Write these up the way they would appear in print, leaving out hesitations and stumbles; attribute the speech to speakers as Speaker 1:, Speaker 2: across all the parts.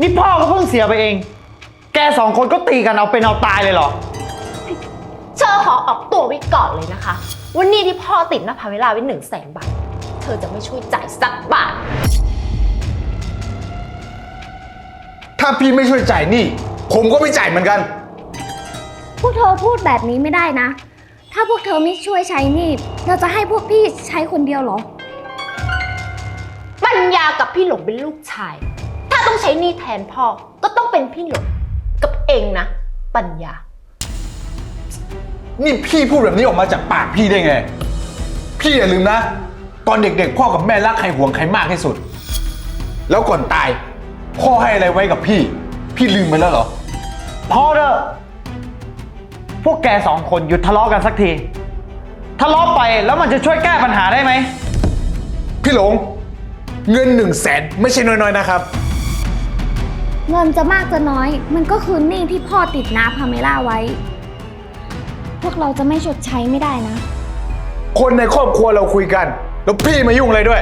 Speaker 1: นี่พ่อก็เพิ่งเสียไปเอง แกสองคนก็ตีกันเอาเป็นเอาตายเลยเหรอ
Speaker 2: เธอขอออกตัวไว้ก่อนเลยนะคะว่านี่ที่พ่อติดนะพาเวลาไว้100,000 บาทเธอจะไม่ช่วยจ่ายสักบาท
Speaker 3: ถ้าพี่ไม่ช่วยจ่ายหนี้ผมก็ไม่จ่ายเหมือนกัน
Speaker 4: พวกเธอพูดแบบนี้ไม่ได้นะ ถ้าพวกเธอไม่ช่วยใช้หนี่เราจะให้พวกพี่ใช้คนเดียวเหรอ
Speaker 2: ปัญญากับพี่หลงเป็นลูกชาย ถ้าต้องใช้หนี้แทนพ่อก็ต้องเป็นพี่หลงกับเองนะปัญญา
Speaker 3: นี่พี่พูดแบบนี้ออกมาจากปากพี่ได้ไง พี่อย่าลืมนะ ตอนเด็กๆพ่อกับแม่รักใครห่วงใครมากที่สุด แล้วก่อนตายพ่อให้อะไรไว้กับพี่ พี่ลืมไปแล้วเหรอ
Speaker 1: พอเถอะพวกแกสองคนหยุดทะเลาะกันสักที ทะเลาะไปแล้วมันจะช่วยแก้ปัญหาได้ไหม
Speaker 3: พี่หลงเงิน100,000ไม่ใช่น้อยๆนะครับ
Speaker 4: เงินจะมากจะน้อย มันก็คือหนี้ที่พ่อติดนาพาเมล่าไว้ พวกเราจะไม่ชดใช้ไม่ได้นะ
Speaker 3: คนในครอบครัวเราคุยกัน แล้วพี่มายุ่งอะไรด้วย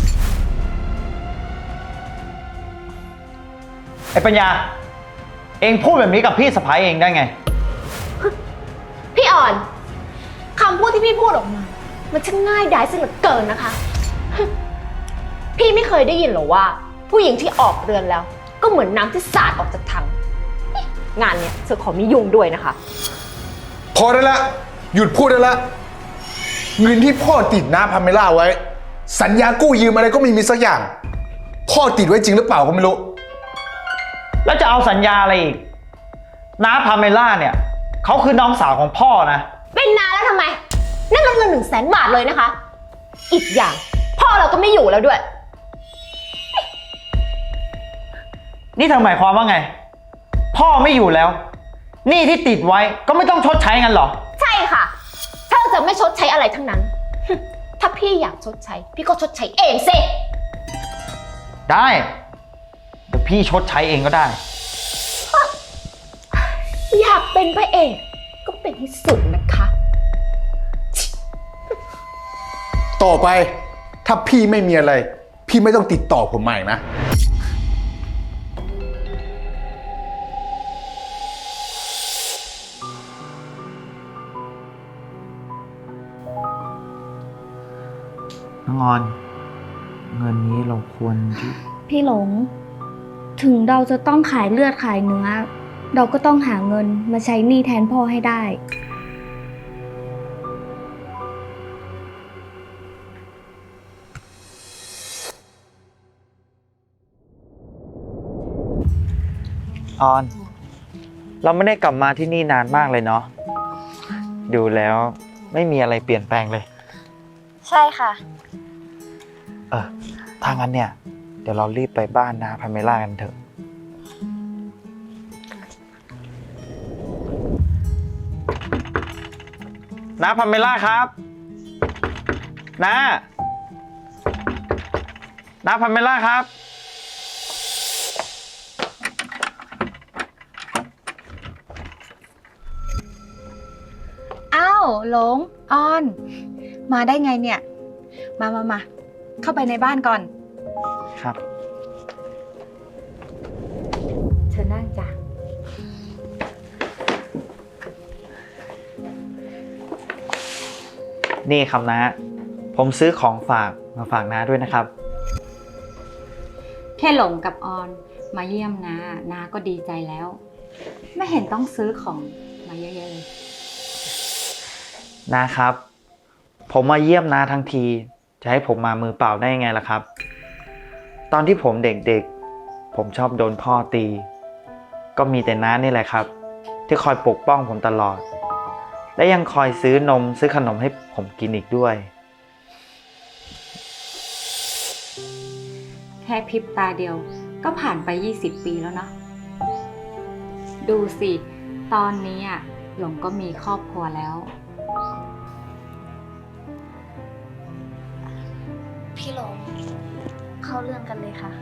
Speaker 1: ไอ้ปัญญา เองพูดแบบนี้กับพี่สะพ้ายเองได้ไง
Speaker 2: พี่อ่อนคำพูดที่พี่พูดออกมา มันช่างง่ายดายซะเหลือเกินนะคะ พี่ไม่เคยได้ยินหรอว่า ผู้หญิงที่ออกเรือนแล้ว ก็เหมือนน้ำที่สาดออกจากถังงานเนี้ยเธอขอมียุ่งด้วยนะคะ
Speaker 3: พอได้ละหยุดพูดได้ละเงินที่พ่อติดน้าพาเมล่าไว้ สัญญากู้ยืมอะไรก็ไม่มีสักอย่าง พ่อติดไว้จริงหรือเปล่าก็ไม่รู้
Speaker 1: แล้วจะเอาสัญญาอะไรอีกน้าพาเมล่าเนี่ยเขาคือน้องสาวของพ่อนะ
Speaker 2: เป็นนานแล้วทำไม นั่นมันเงิน100,000 บาทเลยนะคะ อีกอย่างพ่อเราก็ไม่อยู่แล้วด้วย
Speaker 1: นี่เธอหมายความว่าไง พ่อไม่อยู่แล้วหนี้ที่ติดไว้ก็ไม่ต้องชดใช้งั้นเหรอ
Speaker 2: ใช่ค่ะเธอจะไม่ชดใช้อะไรทั้งนั้น ถ้าพี่อยากชดใช้ พี่ก็ชดใช้เองสิ
Speaker 1: ได้เดี๋ยวพี่ชดใช้เองก็ได้
Speaker 2: อยากเป็นพระเอกก็เป็นที่สุดนะคะ
Speaker 3: ต่อไปถ้าพี่ไม่มีอะไร พี่ไม่ต้องติดต่อผมมาอีกนะ
Speaker 1: น้องออน เงินนี้เราควรที่
Speaker 4: พี่หลง ถึงเราจะต้องขายเลือดขายเนื้อ เราก็ต้องหาเงินมาใช้หนี้แทนพ่อให้ได้
Speaker 1: ออน เราไม่ได้กลับมาที่นี่นานมากเลยเนาะดูแล้วไม่มีอะไรเปลี่ยนแปลงเลย
Speaker 4: ใช่ค่ะ
Speaker 1: ถ้างั้นเนี่ย เดี๋ยวเรารีบไปบ้านนาพาเมล่ากันเถอะนาพาเมล่าครับนาพาเมล่าครับ
Speaker 5: อ้าวหลงออน มาได้ไงเนี่ย มาเข้าไปในบ้านก่อน
Speaker 1: ครับ
Speaker 5: เชิญนั่งจ้ะ
Speaker 1: นี่ครับนาผมซื้อของฝากมาฝากนาด้วยนะครับ
Speaker 5: แค่หลงกับออนมาเยี่ยมนาก็ดีใจแล้ว ไม่เห็นต้องซื้อของมาเยอะๆเลย
Speaker 1: นะครับ ผมมาเยี่ยมนาทั้งที จะให้ผมมามือเปล่าได้ยังไงล่ะครับ ตอนที่ผมเด็กๆ ผมชอบโดนพ่อตี ก็มีแต่น้านี่แหละครับ ที่คอยปกป้องผมตลอด และยังคอยซื้อนมซื้อขนมให้ผมกินอีกด้วย
Speaker 5: แค่พริบตาเดียวก็ผ่านไป20 ปีแล้วเนาะดูสิ ตอนนี้หลงก็มีครอบครัวแล้ว
Speaker 4: พี่หลง เข้าเรื่องกันเลยค่ะ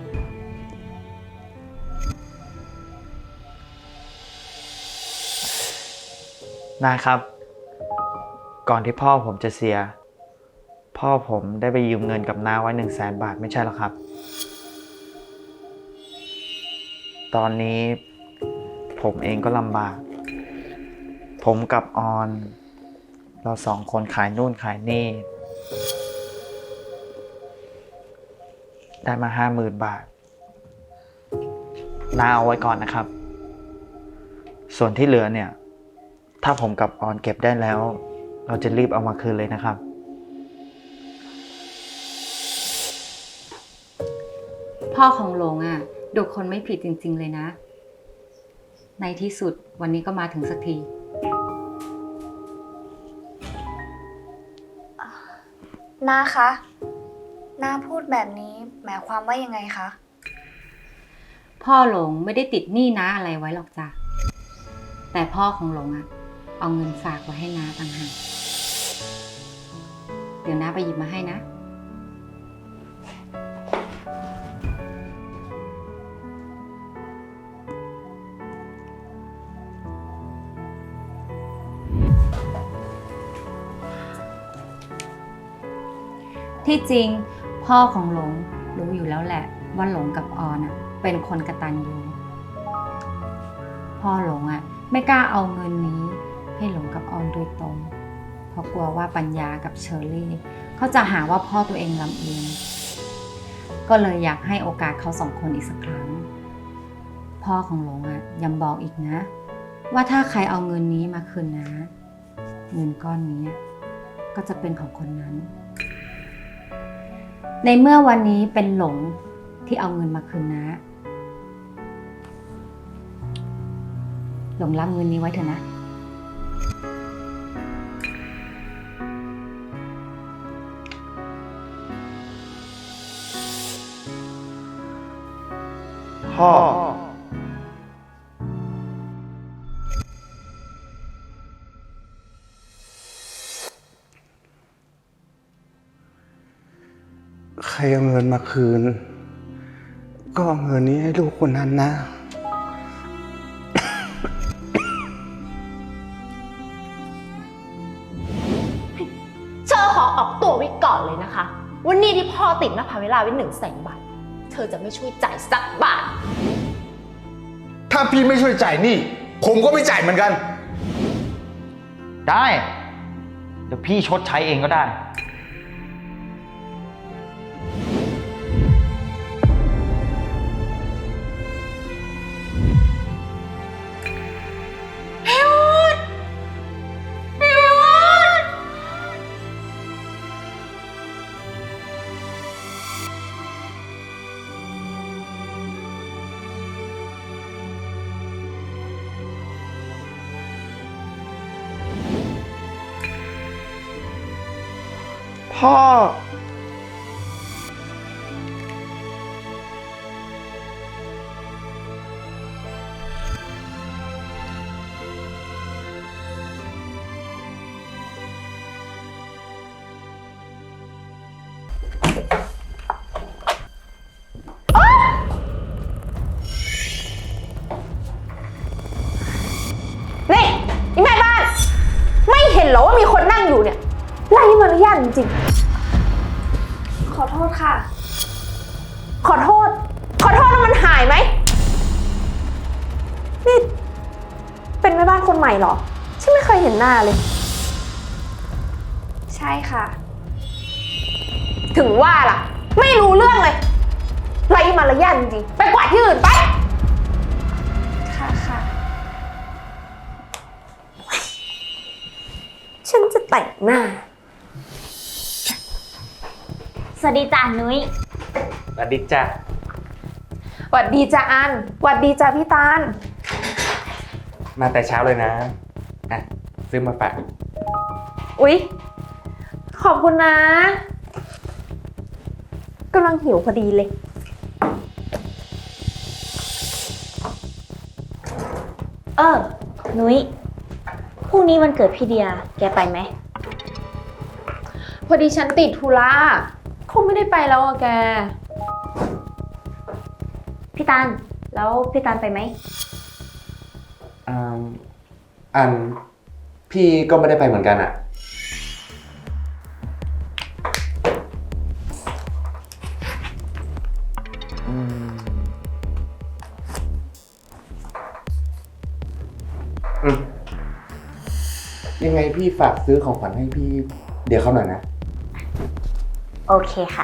Speaker 1: นะครับ ก่อนที่พ่อผมจะเสีย พ่อผมได้ไปยืมเงินกับน้าไว้100,000 บาทไม่ใช่หรอครับตอนนี้ผมเองก็ลำบาก ผมกับออน เราสองคนขายนู่นขายนี่ ได้มา50,000 บาทน้าเอาไว้ก่อนนะครับ ส่วนที่เหลือเนี่ย ถ้าผมกับออนเก็บได้แล้ว เราจะรีบเอามาคืนเลยนะครับ
Speaker 5: พ่อของหลงอ่ะดูคนไม่ผิดจริงๆเลยนะ ในที่สุดวันนี้ก็มาถึงสักที
Speaker 4: น้าคะน้าพูดแบบนี้หมายความว่ายังไงคะ
Speaker 5: พ่อหลงไม่ได้ติดหนี้น้าอะไรไว้หรอกจ้ะ แต่พ่อของหลงอ่ะเอาเงินฝากไว้ให้น้าต่างหากเดี๋ยวน้าไปหยิบมาให้นะ ที่จริงพ่อของหลงรู้อยู่แล้วแหละว่าหลงกับออนอ่ะเป็นคนกตัญญูพ่อหลงอ่ะไม่กล้าเอาเงินนี้ให้หลงกับออนโดยตรงเพราะกลัวว่าปัญญากับเชอรี่เขาจะหาว่าพ่อตัวเองลำเอียงก็เลยอยากให้โอกาสเขาสองคนอีกสักครั้งพ่อของหลงอ่ะยังบอกอีกนะว่าถ้าใครเอาเงินนี้มาคืนนะเงินก้อนนี้ก็จะเป็นของคนนั้นในเมื่อวันนี้เป็นหลงที่เอาเงินมาคืนนะหลงรับเงินนี้ไว้เถอะนะ
Speaker 1: พ่อ
Speaker 6: ใครเอาเงินมาคืน ก็เอาเงินนี้ให้ลูกคนนั้นนะ
Speaker 2: เชอขอออกตัวไว้ก่อนเลยนะคะว่าหนี่ที่พ่อติดนภาเวลาไว้100,000 บาทเธอจะไม่ช่วยจ่ายสักบาท
Speaker 3: ถ้าพี่ไม่ช่วยจ่ายหนี้ผมก็ไม่จ่ายเหมือนกัน
Speaker 1: ได้ เดี๋ยวพี่ชดใช้เองก็ได้ พ่อ
Speaker 2: นี่อีแม่บ้าน ไม่เห็นเหรอว่ามีคนนั่งอยู่เนี่ยไร้มารยาทจริง
Speaker 4: ขอโทษค่ะ
Speaker 2: ๆขอโทษแล้วมันหายไหมนี่เป็นแม่บ้านคนใหม่เหรอฉันไม่เคยเห็นหน้าเลย
Speaker 4: ใช่ค่ะ
Speaker 2: ถึงว่าล่ะ ไม่รู้เรื่องเลยไร้มารยาทจริงๆไปกวาดที่อื่นไป
Speaker 4: ค่ะค่ะ
Speaker 2: ฉันจะแต่งหน้า
Speaker 4: สวัสดีจ้านุ้ย
Speaker 1: สวัสดีจ้ะ
Speaker 2: หวัดดีจ้าอันหวัดดีจ้าพี่ตาล
Speaker 7: มาแต่เช้าเลยนะ อ่ะ ซื้อมาฝาก
Speaker 2: อุ๊ย ขอบคุณนะกำลังหิวพอดีเลย
Speaker 4: นุ้ยพรุ่งนี้วันเกิดพี่เดีย แกไปไหม
Speaker 2: พอดีฉันติดธุระคงไม่ได้ไปแล้วอะแก
Speaker 4: พี่ตาล แล้วพี่ตาลไปไหม
Speaker 7: อัน พี่ก็ไม่ได้ไปเหมือนกันอ่ะ
Speaker 1: อืม
Speaker 7: ยังไงพี่ฝากซื้อของขวัญให้พี่เดี๋ยวเขาหน่อยนะ
Speaker 8: โอเคค่ะ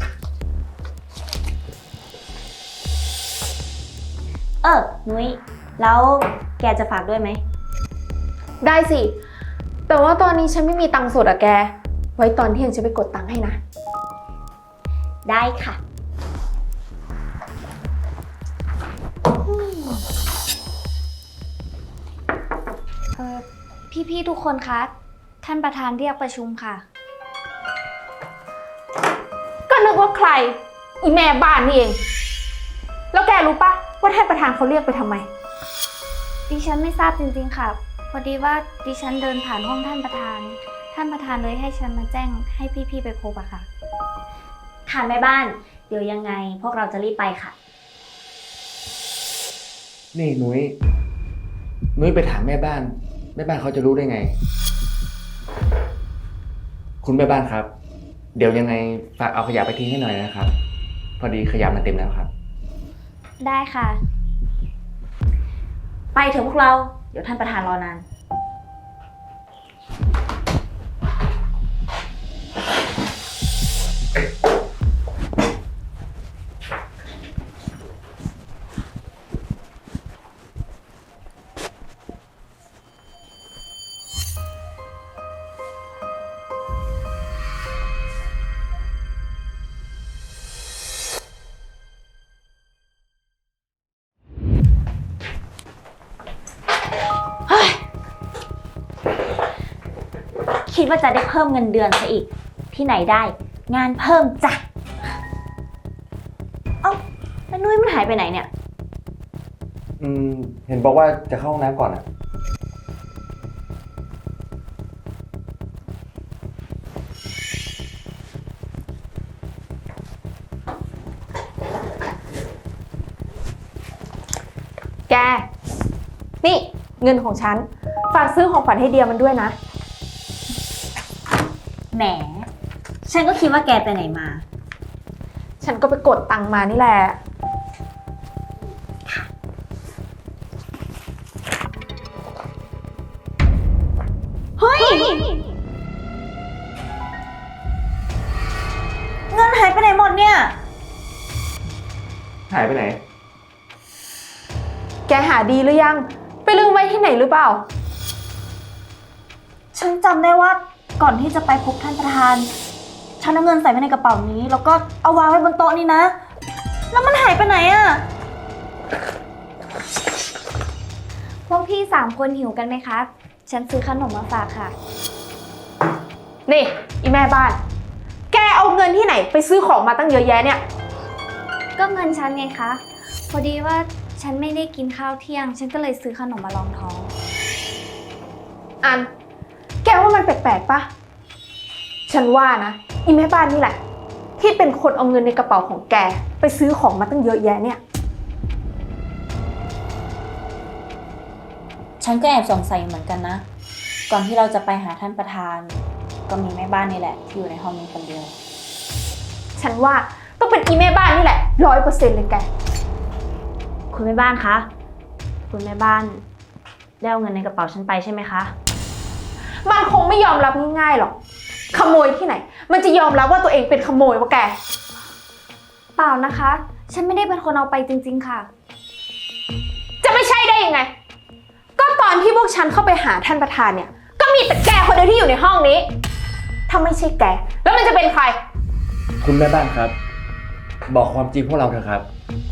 Speaker 8: นุ้ย แล้วแกจะฝากด้วยไหม
Speaker 2: ได้สิ แต่ว่าตอนนี้ฉันไม่มีตังค์สดอะแก ไว้ตอนเที่ยงฉันไปกดตังค์ให้นะ
Speaker 8: ได้ค่ะ
Speaker 4: พี่ๆทุกคนคะ ท่านประธานเรียกประชุมค่ะ
Speaker 2: ก็นึกว่าใคร อีแม่บ้านนี่เอง แล้วแกรู้ปะว่าท่านประธานเขาเรียกไปทำไม
Speaker 4: ดิฉันไม่ทราบจริงๆค่ะ พอดีว่าดิฉันเดินผ่านห้องท่านประธาน ท่านประธานเลยให้ฉันมาแจ้งให้พี่ๆไปพบอะค่ะ
Speaker 8: ค่ะแม่บ้าน เดี๋ยวยังไงพวกเราจะรีบไปค่ะ
Speaker 7: นี่นุ้ยไปถามแม่บ้านเขาจะรู้ได้ไง คุณแม่บ้านครับ เดี๋ยวยังไงฝากเอาขยะไปทิ้งให้หน่อยนะครับ พอดีขยะมันเต็มแล้วครับ
Speaker 4: ได้ค่ะ
Speaker 8: ไปเถอะพวกเรา เดี๋ยวท่านประธานรอนาน คิดว่าจะได้เพิ่มเงินเดือนซะอีก ที่ไหนได้ งานเพิ่มจ้ะ เอ้าแล้วนุ้ยมันหายไปไหนเนี่ย
Speaker 7: เห็นบอกว่าจะเข้าห้องน้ำก่อนอะ
Speaker 2: แก นี่เงินของฉัน ฝากซื้อของขวัญให้เดียมันด้วยนะ
Speaker 8: แหม ฉันก็คิดว่าแกไปไหนมา
Speaker 2: ฉันก็ไปกดตังค์มานี่แหละ
Speaker 8: เฮ้ย เงินหายไปไหนหมดเนี่ย
Speaker 7: หายไปไหน
Speaker 2: แกหาดีหรือยัง ไปลืมไว้ที่ไหนหรือเปล่า
Speaker 8: ฉันจำได้ว่าก่อนที่จะไปพบท่านประธาน ฉันเอาเงินใส่ไว้ในกระเป๋านี้ แล้วก็เอาวางไว้บนโต๊ะนี่นะ แล้วมันหายไปไหนอะ
Speaker 4: พวกพี่3 คนหิวกันไหมคะ ฉันซื้อขนมมาฝากค่ะ
Speaker 2: นี่อีแม่บ้าน แกเอาเงินที่ไหนไปซื้อของมาตั้งเยอะแยะเนี่ย
Speaker 4: ก็เงินฉันไงคะ พอดีว่าฉันไม่ได้กินข้าวเที่ยง ฉันก็เลยซื้อขนมมารองท้อง
Speaker 2: อัน แกว่ามันแปลกๆปะ ฉันว่านะอีแม่บ้านนี่แหละ ที่เป็นคนเอาเงินในกระเป๋าของแกไปซื้อของมาตั้งเยอะแยะเนี่ย
Speaker 8: ฉันก็แอบสงสัยเหมือนกันนะ ก่อนที่เราจะไปหาท่านประธาน ก็มีแม่บ้านนี่แหละที่อยู่ในห้องนี้คนเดียว
Speaker 2: ฉันว่าต้องเป็นอีแม่บ้านนี่แหละ100%เลยแก
Speaker 8: คุณแม่บ้านคะ คุณแม่บ้านได้เอาเงินในกระเป๋าฉันไปใช่ไหมคะ
Speaker 2: มันคงไม่ยอมรับง่ายๆหรอก ขโมยที่ไหน มันจะยอมรับว่าตัวเองเป็นขโมยวะแก
Speaker 4: เปล่านะคะ ฉันไม่ได้เป็นคนเอาไปจริงๆค่ะ
Speaker 2: จะไม่ใช่ได้ยังไง ก็ตอนที่พวกฉันเข้าไปหาท่านประธานเนี่ย ก็มีแต่แกคนเดียวที่อยู่ในห้องนี้ ถ้าไม่ใช่แก แล้วมันจะเป็นใคร
Speaker 7: คุณแม่บ้านครับ บอกความจริงพวกเราเถอะครับ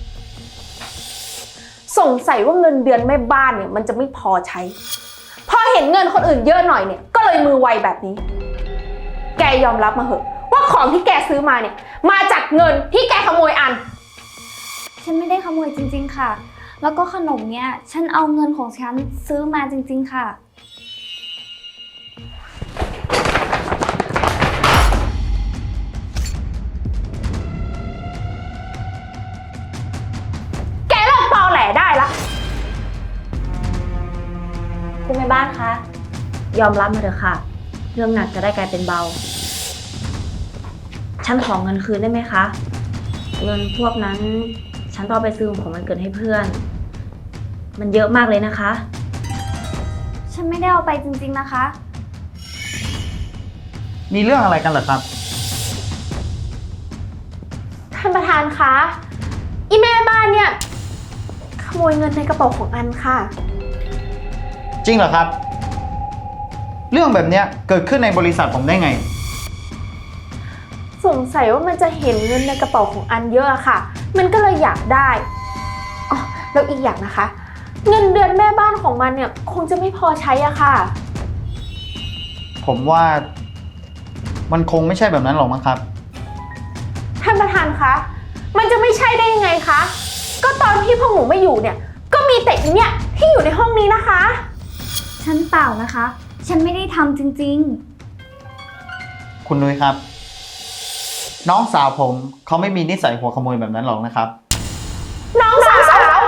Speaker 2: สงสัยว่าเงินเดือนแม่บ้านเนี่ยมันจะไม่พอใช้ พอเห็นเงินคนอื่นเยอะหน่อยเนี่ย ก็เลยมือไวแบบนี้ แกยอมรับมาเหอะ ว่าของที่แกซื้อมาเนี่ย มาจากเงินที่แกขโมยอัน
Speaker 4: ฉันไม่ได้ขโมยจริงๆค่ะ แล้วก็ขนมเนี้ย ฉันเอาเงินของฉันซื้อมาจริงๆค่ะ
Speaker 2: แกเลิกตอแหลได้ละ
Speaker 8: คุณแม่บ้านคะ ยอมรับมาเถอะค่ะ เรื่องหนักจะได้กลายเป็นเบา ฉันขอเงินคืนได้ไหมคะ เงินพวกนั้นฉันต้องเอาไปซื้อของวันเกิดให้เพื่อน มันเยอะมากเลยนะคะ
Speaker 4: ฉันไม่ได้เอาไปจริงๆนะคะ
Speaker 1: มีเรื่องอะไรกันเหรอครับ
Speaker 2: ท่านประธานคะ อีแม่บ้านเนี่ยขโมยเงินในกระเป๋าของอันค่ะ
Speaker 1: จริงเหรอครับ เรื่องแบบเนี้ยเกิดขึ้นในบริษัทผมได้ไง
Speaker 2: สงสัยว่ามันจะเห็นเงินในกระเป๋าของอันเยอะอะค่ะ มันก็เลยอยากได้อ๋อแล้วอีกอย่างนะคะ เงินเดือนแม่บ้านของมันเนี่ยคงจะไม่พอใช้อะค่ะ
Speaker 1: ผมว่ามันคงไม่ใช่แบบนั้นหรอกมั้งครับ
Speaker 2: ท่านประธานคะ มันจะไม่ใช่ได้ยังไงคะ ก็ตอนที่พวกหนูไม่อยู่เนี่ย ก็มีแต่อีเนี่ยที่อยู่ในห้องนี้นะคะ
Speaker 4: ฉันเปล่านะคะ ฉันไม่ได้ทำจริง
Speaker 1: คุณนุ้ยครับ น้องสาวผมเขาไม่มีนิสัยหัวขโมยแบบนั้นหรอกนะครับ
Speaker 2: น้องสาว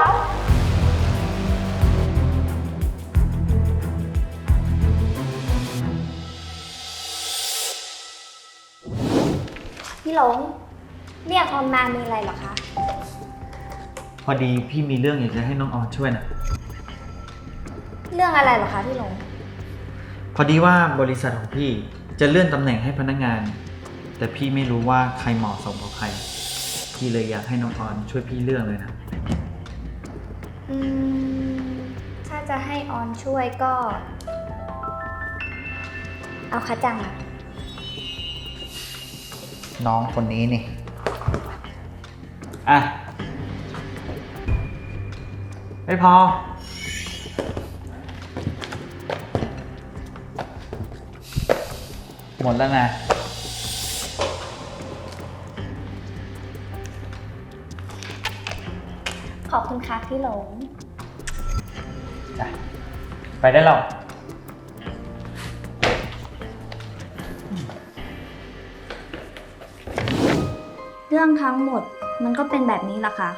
Speaker 4: ๆ พี่หลง เรียกออมมามีอะไรเหรอคะ
Speaker 1: พอดีพี่มีเรื่องอยากจะให้น้องออนช่วยนะ
Speaker 4: เรื่องอะไรเหรอคะพี่หลง
Speaker 1: พอดีว่าบริษัทของพี่จะเลื่อนตำแหน่งให้พนักงาน แต่พี่ไม่รู้ว่าใครเหมาะสมกับใคร พี่เลยอยากให้น้องออนช่วยพี่เรื่องเลยนะ
Speaker 4: ถ้าจะให้ออนช่วยก็ เอาคะจังอะ
Speaker 1: น้องคนนี้นี่ อ่ะ ไม่พอ หมดแล้วนะ
Speaker 4: ขอบคุณค่ะพี่หลง
Speaker 1: ไปได้หรอ
Speaker 4: เรื่องทั้งหมดมันก็เป็นแบบนี้ล่ะค่ะ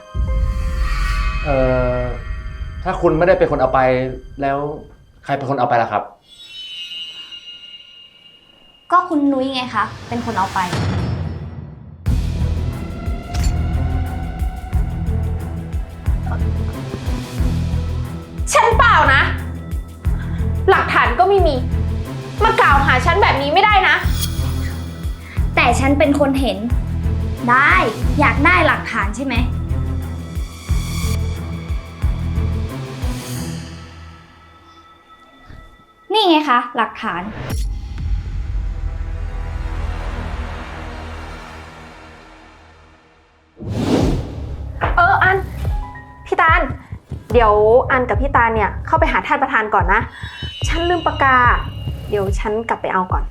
Speaker 7: ถ้าคุณไม่ได้เป็นคนเอาไปแล้วใครเป็นคนเอาไปล่ะครับ
Speaker 4: ก็คุณนุ้ยไงคะ เป็นคนเอาไป
Speaker 2: ฉันเปล่านะ หลักฐานก็ไม่มี มากล่าวหาฉันแบบนี้ไม่ได้นะ
Speaker 4: แต่ฉันเป็นคนเห็น ได้อยากได้หลักฐานใช่ไหม นี่ไงคะ หลักฐาน
Speaker 2: อัน พี่ตาล เดี๋ยวอันกับพี่ตาลเนี่ยเข้าไปหาท่านประธานก่อนนะ ฉันลืมปากกา เดี๋ยวฉันกลับไปเอาก่อน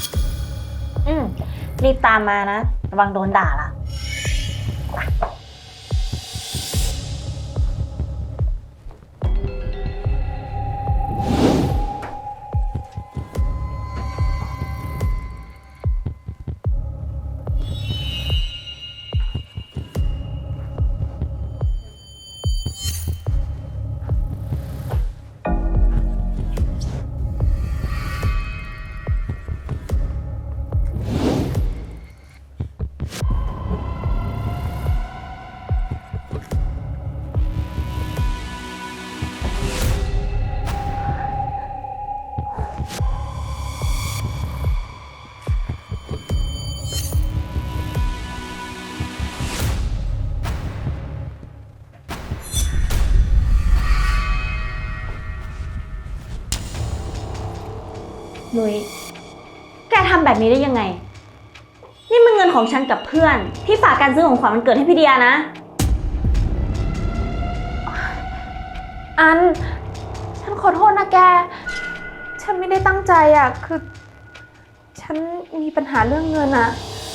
Speaker 8: รีบตามมานะ ระวังโดนด่าล่ะ นุ้ย แกทำแบบนี้ได้ยังไง นี่มันเงินของฉันกับเพื่อนที่ฝากการซื้อของขวัญวันเกิดให้พี่เดียนะ
Speaker 2: อัน ฉันขอโทษนะแก ฉันไม่ได้ตั้งใจอ่ะ คือ ฉันมีปัญหาเรื่องเงินอ่ะ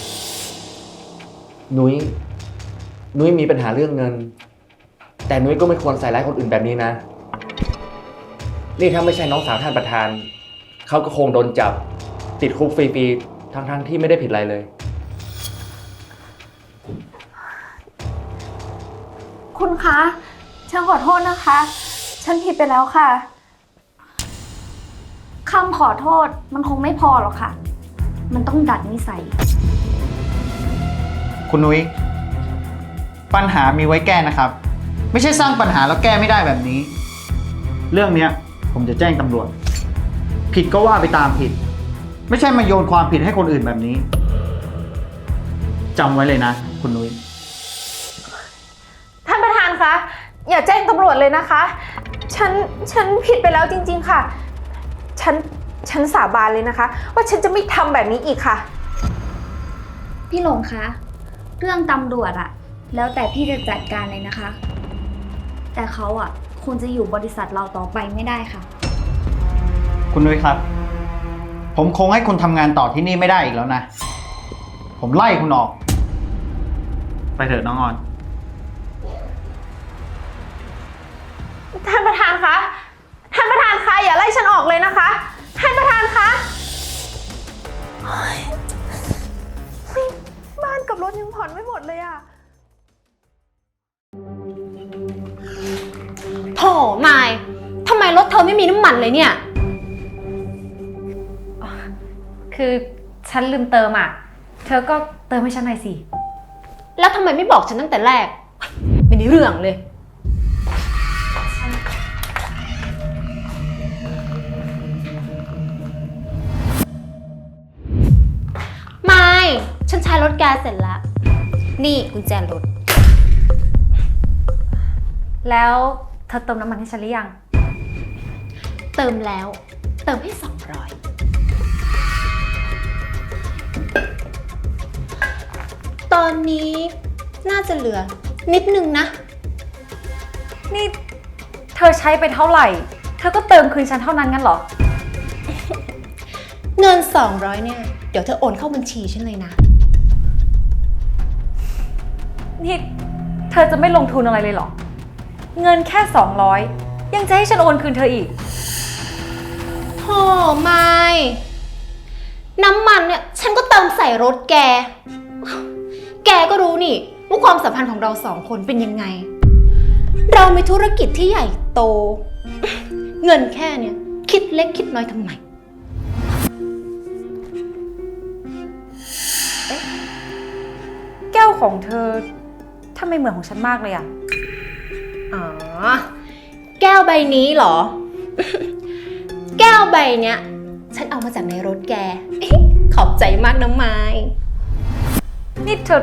Speaker 7: นุ้ยมีปัญหาเรื่องเงิน แต่นุ้ยก็ไม่ควรใส่ร้ายคนอื่นแบบนี้นะ นี่ถ้าไม่ใช่น้องสาวท่านประธาน เขาก็คงโดนจับติดคุกฟรีๆทั้งที่ไม่ได้ผิดอะไรเลย
Speaker 2: คุณคะ ฉันขอโทษนะคะ ฉันผิดไปแล้วค่ะ
Speaker 4: คำขอโทษมันคงไม่พอหรอกค่ะ มันต้องดัดนิสัย
Speaker 1: คุณนุ้ย ปัญหามีไว้แก้นะครับ ไม่ใช่สร้างปัญหาแล้วแก้ไม่ได้แบบนี้ เรื่องเนี้ยผมจะแจ้งตำรวจ ผิดก็ว่าไปตามผิดไม่ใช่มาโยนความผิดให้คนอื่นแบบนี้จำไว้เลยนะ คุณนุ้ย
Speaker 2: ท่านประธานคะ อย่าแจ้งตำรวจเลยนะคะ ฉันผิดไปแล้วจริงๆค่ะ ฉันสาบานเลยนะคะ ว่าฉันจะไม่ทำแบบนี้อีกค่ะ
Speaker 4: พี่หลงคะ เรื่องตำรวจอะแล้วแต่พี่จะจัดการเลยนะคะ แต่เขาอะคงจะอยู่บริษัทเราต่อไปไม่ได้ค่ะ
Speaker 1: คุณนุ้ยครับ ผมคงให้คุณทำงานต่อที่นี่ไม่ได้อีกแล้วนะ ผมไล่คุณออก ไปเถอะน้องออน
Speaker 2: ท่านประธานคะ ท่านประธานคะอย่าไล่ฉันออกเลยนะคะ ท่านประธานคะเฮ้ยบ้านกับรถยังผ่อนไม่หมดเลยอะโถมายทำไมรถเธอไม่มีน้ำมันเลยเนี่ย
Speaker 5: คือฉันลืมเติมอ่ะ เธอก็เติมให้ฉันหน่อยสิ
Speaker 2: แล้วทำไมไม่บอกฉันตั้งแต่แรก ไม่ได้เรื่องเลย ไม่ฉันใช้รถแกเสร็จแล้ว นี่กุญแจรถ
Speaker 5: แล้วเธอเติมน้ำมันให้ฉันหรือยัง
Speaker 2: เติมแล้ว เติมให้200 ตอนนี้น่าจะเหลือนิดนึงนะ
Speaker 5: นี่เธอใช้ไปเท่าไหร่ เธอก็เติมคืนฉันเท่านั้นงั้นเหรอ
Speaker 2: เงิน200เนี่ย เดี๋ยวเธอโอนเข้าบัญชีฉันเลยนะ
Speaker 5: นี่เธอจะไม่ลงทุนอะไรเลยเหรอ เงินแค่200ยังจะให้ฉันโอนคืนเธออีก
Speaker 2: โธ่ไม่น้ำมันเนี่ยฉันก็เติมใส่รถแก แกก็รู้นี่ว่าความสัมพันธ์ของเรา2 คนเป็นยังไง เรามีธุรกิจที่ใหญ่โต เงินแค่เนี่ยคิดเล็กคิดน้อยทำไม
Speaker 5: แก้วของเธอทำไมเหมือนของฉันมากเลยอะ
Speaker 2: อ๋อ แก้วใบนี้เหรอ แก้วใบเนี้ยฉันเอามาจากในรถแก ขอบใจมากนะไม้
Speaker 5: นี่เธอ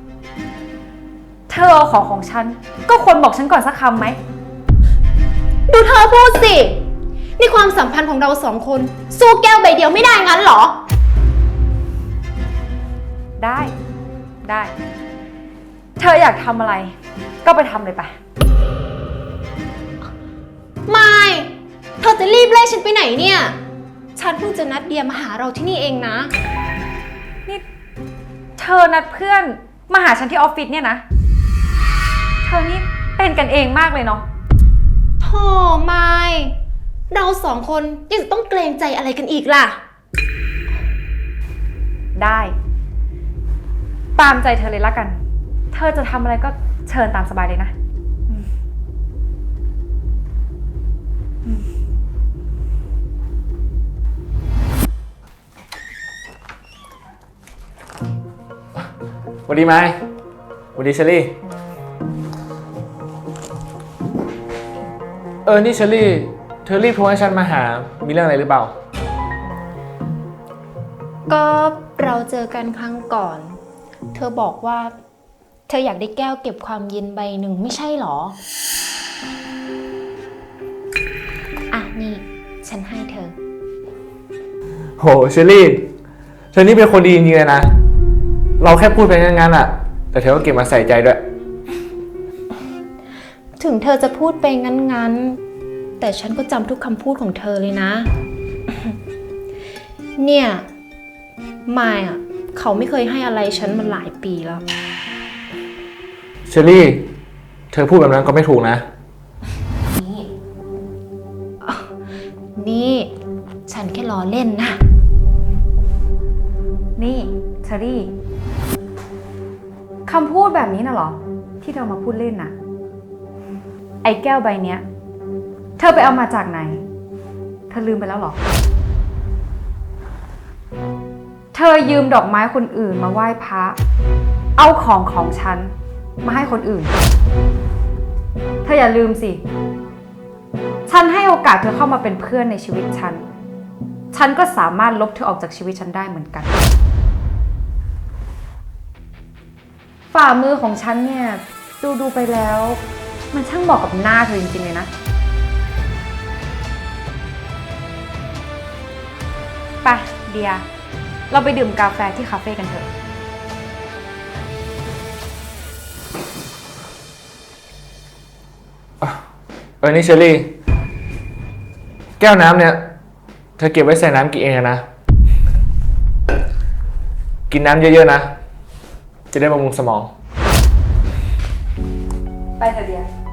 Speaker 5: เอาของฉัน ก็ควรบอกฉันก่อนสักคำไหม
Speaker 2: ดูเธอพูดสิ นี่ความสัมพันธ์ของเรา2 คนสู้แก้วใบเดียวไม่ได้งั้นเหรอ
Speaker 5: ได้ เธออยากทำอะไร ก็ไปทำเลยไป
Speaker 2: ไม่ เธอจะรีบไล่ฉันไปไหนเนี่ย ฉันเพิ่งจะนัดเดียมาหาเราที่นี่เองนะ
Speaker 5: นี่เธอนัดเพื่อนมาหาฉันที่ออฟฟิศเนี่ยนะ เธอนี่เป็นกันเองมากเลยเนาะ
Speaker 2: โธ่ไม่ เรา2 คนยังจะต้องเกรงใจอะไรกันอีกล่ะ
Speaker 5: ได้ ตามใจเธอเลยละกัน เธอจะทำอะไรก็เชิญตามสบายเลยนะ
Speaker 7: สวัสดีไม้สวัสดีเชอรี่ นี่เชอรี่ เธอรีบโทรให้ฉันมาหา มีเรื่องอะไรหรือเปล่า
Speaker 2: ก็เราเจอกันครั้งก่อน เธอบอกว่า เธออยากได้แก้วเก็บความเย็นใบหนึ่งไม่ใช่หรอ อ่ะนี่ ฉันให้เธอ
Speaker 7: โหเชอรี่ เธอนี่เป็นคนดีจริงๆเลยนะ เราแค่พูดไปงั้นๆอะแต่เธอก็เก็บมาใส่ใจด้วย
Speaker 2: ถึงเธอจะพูดไปงั้นๆ แต่ฉันก็จำทุกคำพูดของเธอเลยนะ เนี่ยมายอ่ะเขาไม่เคยให้อะไรฉันมาหลายปีแล้ว
Speaker 7: เชอรี่ เธอพูดแบบนั้นก็ไม่ถูกนะ
Speaker 2: นี่ ฉันแค่ล้อเล่นนะ
Speaker 5: นี่เชอรี่คำพูดแบบนี้น่ะเหรอ ที่เธอมาพูดเล่นน่ะ ไอ้แก้วใบเนี้ย เธอไปเอามาจากไหน เธอลืมไปแล้วเหรอ เธอยืมดอกไม้คนอื่นมาไหว้พระ เอาของฉันมาให้คนอื่น เธออย่าลืมสิ ฉันให้โอกาสเธอเข้ามาเป็นเพื่อนในชีวิตฉันฉันก็สามารถลบเธอออกจากชีวิตฉันได้เหมือนกัน ฝ่ามือของฉันเนี่ยดูไปแล้ว มันช่างเหมาะกับหน้าเธอจริงๆเลยนะ ไปเดีย เราไปดื่มกาแฟที่คาเฟ่กันเถอะ
Speaker 7: นี่เชอรี่ แก้วน้ำเนี่ย เธอเก็บไว้ใส่น้ำกินเองนะ กินน้ำเยอะๆนะ จะได้บำรุงสมอง
Speaker 5: ไปเถอะเดีย